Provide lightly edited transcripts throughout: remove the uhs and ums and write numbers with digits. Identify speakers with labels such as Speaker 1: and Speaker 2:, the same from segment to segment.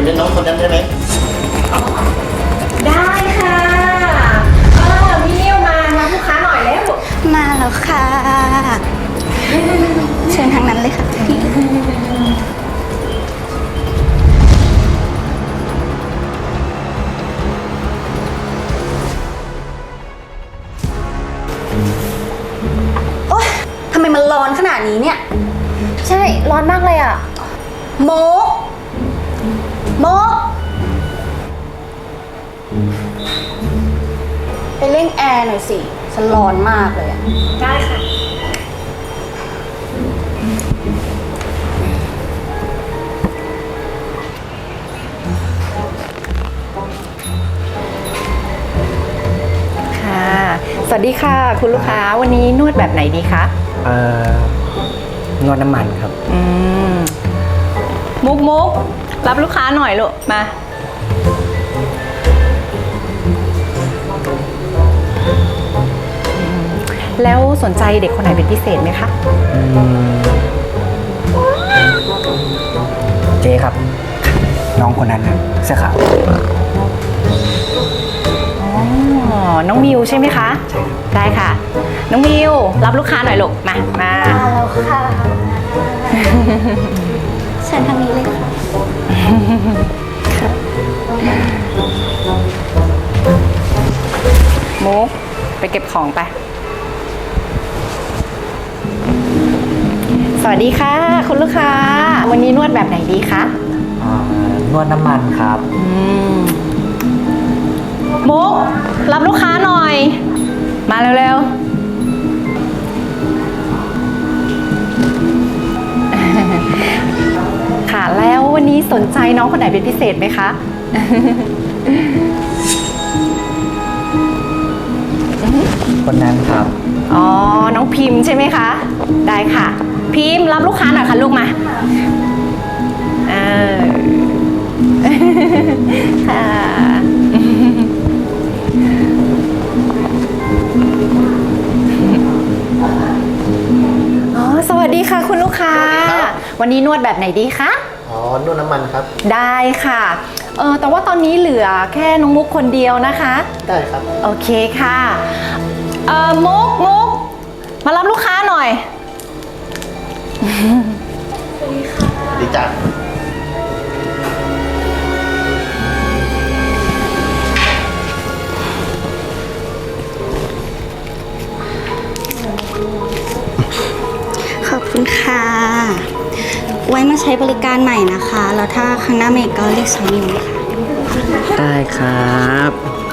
Speaker 1: เล่นน้องคนนั้นได้ไหม
Speaker 2: ได้ค่ะพี่นิวมารับลูกค้าหน่อยแล้ว
Speaker 3: มาแล้วค่ะเชิญทางนั้นเลยค่ะพี่โอ๊ยทำไมมันร้อนขนาดนี้เนี่ย
Speaker 2: ใช่ร้อนมากเลยอ่ะ
Speaker 3: โมไปเร่งแอร์หน่อยสิฉันร้อนมากเลยอะ
Speaker 2: ได้ค่ะสวัสดีค่ะคุณลูกค้าวันนี้นวดแบบไหนดีคะ
Speaker 1: นวดน้ำมันครับ
Speaker 2: มุกรับลูกค้าหน่อยลูกมาแล้วสนใจเด็กคนไหนเป็นพิเศษไหมคะ
Speaker 1: เจ๊ครับน้องคนนั้นนะเสื้อขาว
Speaker 2: น้องมิวใช่ไหมคะได้ค่ะน้องมิวรับลูกค้าหน่อยลูกมา
Speaker 3: แล้วค่ะเชิญทางนี้เลยค่ะ
Speaker 2: มุกไปเก็บของไปสวัสดีค่ะคุณลูกค้าวันนี้นวดแบบไหนดีคะ
Speaker 1: นวดน้ำมันครับ
Speaker 2: มุกรับลูกค้าหน่อยมาเร็วๆค่ะแล้ววันนี้สนใจน้องคนไหนเป็นพิเศษไหมคะ
Speaker 1: คนนั้นครับ
Speaker 2: อ๋อน้องพิมพ์ใช่ไหมคะได้ค่ะพิมพ์รับลูกค้าหน่อยค่ะลูกมาค่ะสวัสดีค่ะคุณลูกค้าวันนี้นวดแบบไหนดีคะ
Speaker 1: นวดน้ำมันครับ
Speaker 2: ได้ค่ะแต่ว่าตอนนี้เหลือแค่น้องมุกคนเดียวนะคะ
Speaker 1: ได้ครับ
Speaker 2: โอเคค่ะมุกมารับลูกค้าหน่อย
Speaker 1: สวัสดีค่ะดีจ้ะ
Speaker 3: ขอบคุณค่ะไว้มาใช้บริการใหม่นะคะแล้วถ้าครั้งหน้าเมย์ก็เรียกสามีค่ะ
Speaker 1: ได้ครับ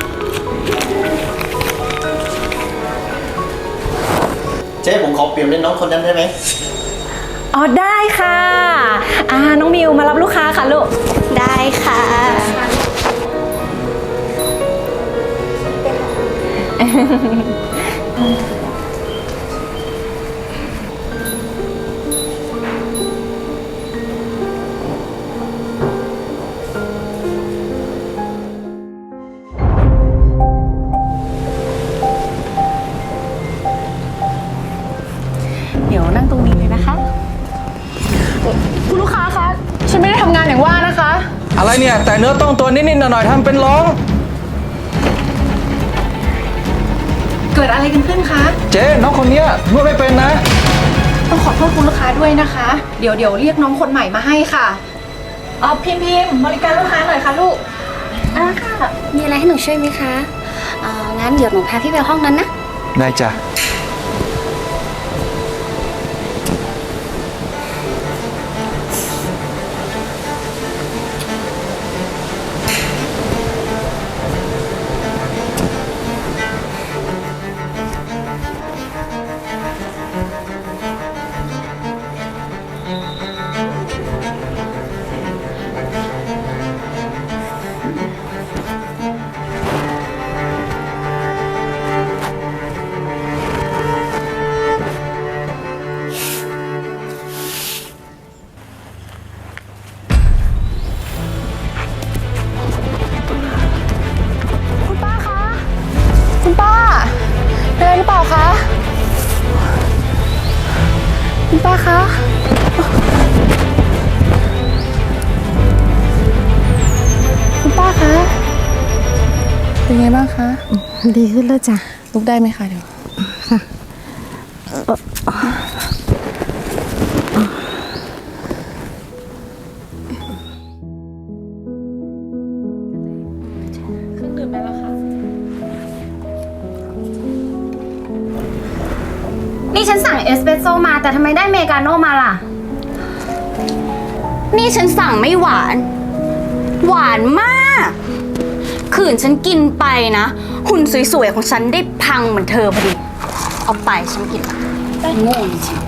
Speaker 1: เจ๊ผมขอเปลี่ยนเป็นน้องคนนั้นได้ไหม
Speaker 2: ได้ค่ะน้องมิวมารับลูกค้าค่ะลูก
Speaker 3: ได้ค่ะ
Speaker 2: เดี๋ยวนั่งตรงนี้เลยนะคะคุณลูกค้าคะฉันไม่ได้ทำงานอย่างว่านะคะ
Speaker 4: อะไรเนี่ยแต่เนื้อต้องตัวนิดๆหน่อยๆทำเป็นร้อง
Speaker 2: เกิดอะไรกันขึ้นคะ
Speaker 4: เจ๊น้องคนนี้นวดไม่เป็นนะ
Speaker 2: ต้องขอโทษคุณลูกค้าด้วยนะคะเดี๋ยวเรียกน้องคนใหม่มาให้ค่ะพิมพ์บริการลูกค้าหน่อยค่ะลูก
Speaker 3: ค่ะมีอะไรให้หนูช่วยไหมคะงั้นเดี๋ยวหนูพาพี่ไปห้องนั้นนะ
Speaker 4: ได้จ้ะ
Speaker 5: ดีขึ้นแล้วจ้ะ
Speaker 2: ลุกได้ไหมคะเดี๋ยวเครื่องดื่มได้แล้วค่ะ
Speaker 3: นี่ฉันสั่งเอสเปรสโซ่มาแต่ทำไมได้เมกาโน่มาล่ะ นี่ฉันสั่งไม่หวาน หวานมาก ขืนฉันกินไปนะหุ่นสวยๆของฉันได้พังเหมือนเธอพอดี เอาไปฉันกินละโง่จริง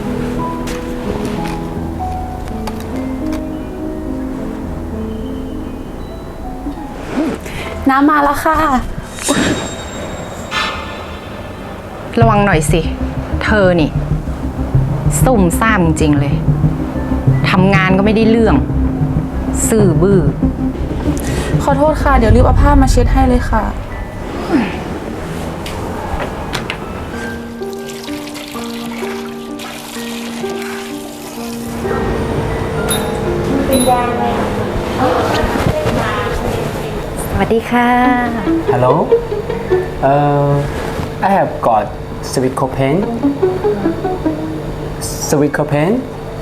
Speaker 2: น้ำมาแล้วค่ะ ระวังหน่อยสิ เธอนี่ ซุ่มซ่ามจริงๆเลย ทำงานก็ไม่ได้เรื่อง ซื่อบื้อ
Speaker 5: ขอโทษค่ะ เดี๋ยวรีบเอาผ้ามาเช็ดให้เลยค่ะ
Speaker 2: สวัสดีค่ะ
Speaker 6: Hello. I have got sweet copain. Sweet copain.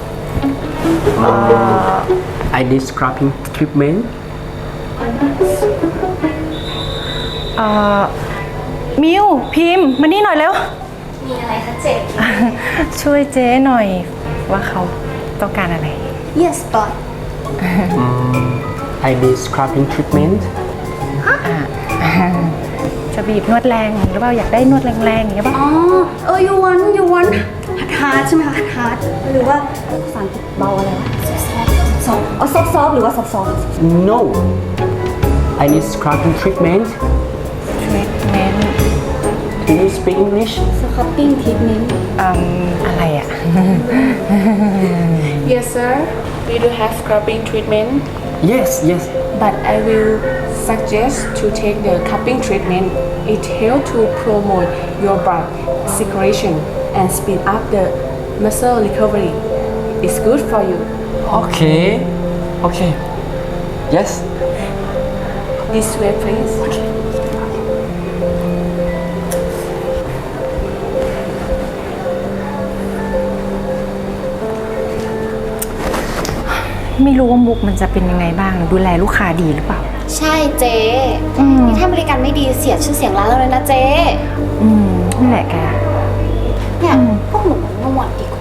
Speaker 6: I need scrubbing treatment.
Speaker 2: มิวพิมพ์มานี่หน่อยเร็ว
Speaker 3: ๆมีอะไรคะเจ๊
Speaker 2: ช่วยเจ๊หน่อย ว่าเขาต้องการอะไร
Speaker 3: Yes boss
Speaker 6: I need scrubbing treatment.
Speaker 2: จะบีบนวดแรงหรือเปล่าอยากได้นวดแรงๆอย่างเงี้ยป่ะ
Speaker 3: อ๋อyou want hard ใช่ไหมคะ hard หรือว่าภาษาอังกฤษเบาอะไรวะ soft อ๋อ soft หรือว่า soft
Speaker 6: No. I need scrubbing treatment.
Speaker 2: ทรีทเมนต์
Speaker 6: Do you speak English?
Speaker 3: scrubbing treatment
Speaker 2: อะไรอ่ะ
Speaker 5: Yes sir we do have scrubbing treatment
Speaker 6: Yes, yes.
Speaker 5: but I will suggest to take the cupping treatment it helps to promote your blood circulation and speed up the muscle recovery it's good for you
Speaker 6: Okay. Okay. Yes.
Speaker 5: this way please
Speaker 2: ไม่รู้ว่ามุกมันจะเป็นยังไงบ้าง ดูแลลูกค้าดีหรือเปล่า
Speaker 3: ใช่เจ๊
Speaker 2: อืม
Speaker 3: นี่ถ้าบริการไม่ดีเสียชื่อเสียงร้านเราเลยนะเจ๊
Speaker 2: นั่นแหละแก
Speaker 3: เนี่ยพวกหนูเมื่อวานดีกว่า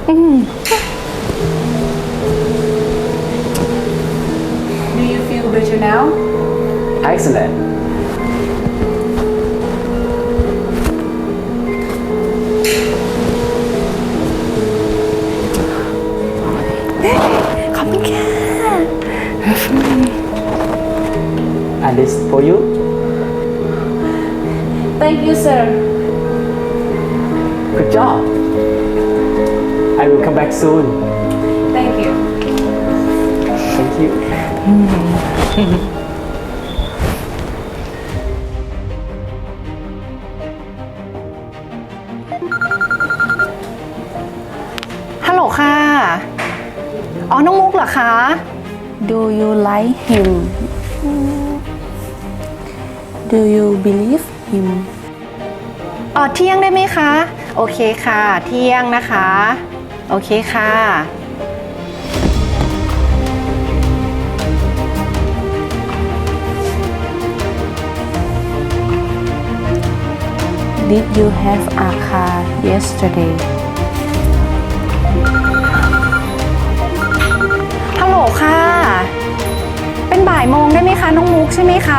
Speaker 5: do you feel better now
Speaker 6: Excellent.
Speaker 2: ขอบคุณค่ะ
Speaker 6: And this for you.
Speaker 5: thank you sir
Speaker 6: Good job. I will come back soon.
Speaker 5: thank you
Speaker 6: Thank you.
Speaker 2: ฮัลโหลค่ะ อ๋อ น้องมุกเหรอคะ
Speaker 5: do you like him do you believe him
Speaker 2: อ๋อ เที่ยงได้ไหมคะ โอเคค่ะ เที่ยงนะคะ โอเคค่ะ
Speaker 5: did you have a car yesterday
Speaker 2: ฮัลโหลค่ะ เป็นบ่ายโมงได้ไหมคะ น้องมุกใช่ไหมคะ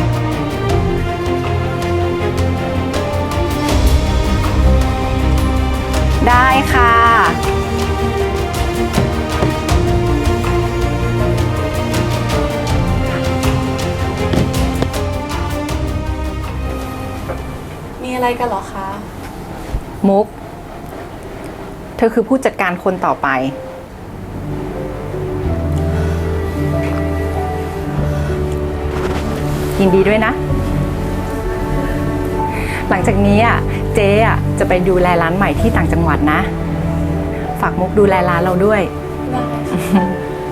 Speaker 2: ได้ค่ะ
Speaker 5: มีอะไรกันเหรอคะ
Speaker 2: มุก เธอคือผู้จัดการคนต่อไป ยินดีด้วยนะ หลังจากนี้อ่ะเจ๊อ่ะจะไปดูแลร้านใหม่ที่ต่างจังหวัดนะ ฝากมุกดูแลร้านเราด้วย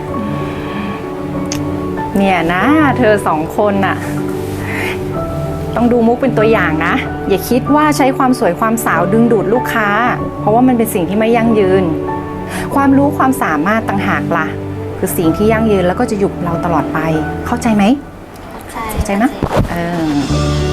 Speaker 2: เนี่ยนะ เธอสองคนน่ะต้องดูมุกเป็นตัวอย่างนะ อย่าคิดว่าใช้ความสวยความสาวดึงดูดลูกค้า เพราะว่ามันเป็นสิ่งที่ไม่ยั่งยืน ความรู้ความสามารถต่างหากล่ะ คือสิ่งที่ยั่งยืนแล้วก็จะอยู่กับเราตลอดไป เข้าใจไหม เข้าใจไหม